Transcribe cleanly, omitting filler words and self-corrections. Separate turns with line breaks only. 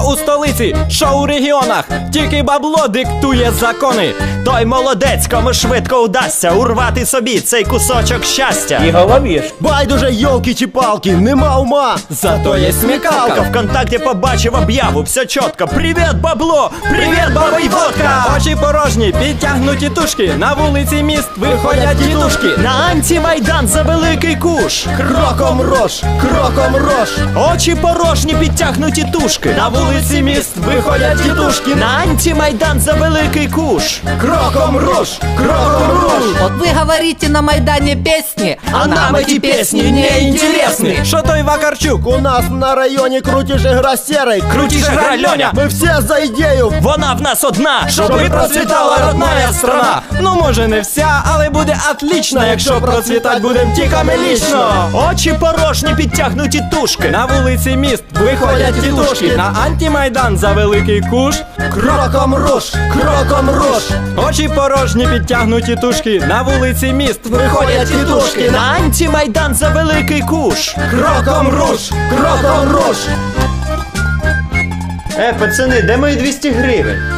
у столиці, що у регіонах, тільки бабло диктує закони. Той молодець, кому швидко вдасться урвати собі цей кусочок щастя.
І головіш.
Байдуже, йолки чи палки, нема ума.
Зато є смікалка. ВКонтакті побачив об'яву, все чітко. Привіт, бабло! Привіт, баба й водка! Очі порожні, підтягнуті тушки. На вулиці міст виходять дідушки. На антимайдан за великий куш.
Кроком рож, кроком рож.
Очі порожні, підтягнуті тушки. На вулиці міст виходять дідушки. На антимайдан за великий куш.
Кроком рож, кроком рож.
Вот вы говорите на Майдане песни,
А нам эти песни не интересны. Що той Вакарчук?
У нас на районі крутіше гра серий.
Крутіше гра Льоня.
Ми всі за ідею.
Вона в нас одна, щоб і процвітала родная страна. Ну може не вся, але буде отлично, якщо процвітать будем тільки ми лічно. Очі порожні, підтягнуті тушки. На вулиці міст виходять тітушки. На антимайдан за великий куш.
Кроком рож, кроком рож.
Очі порожні, підтягнуті тушки. На вулиці міст виходять тітушки. На антимайдан за великий куш.
Кроком рож, кроком рож.
Пацани, де мої 200 гривень?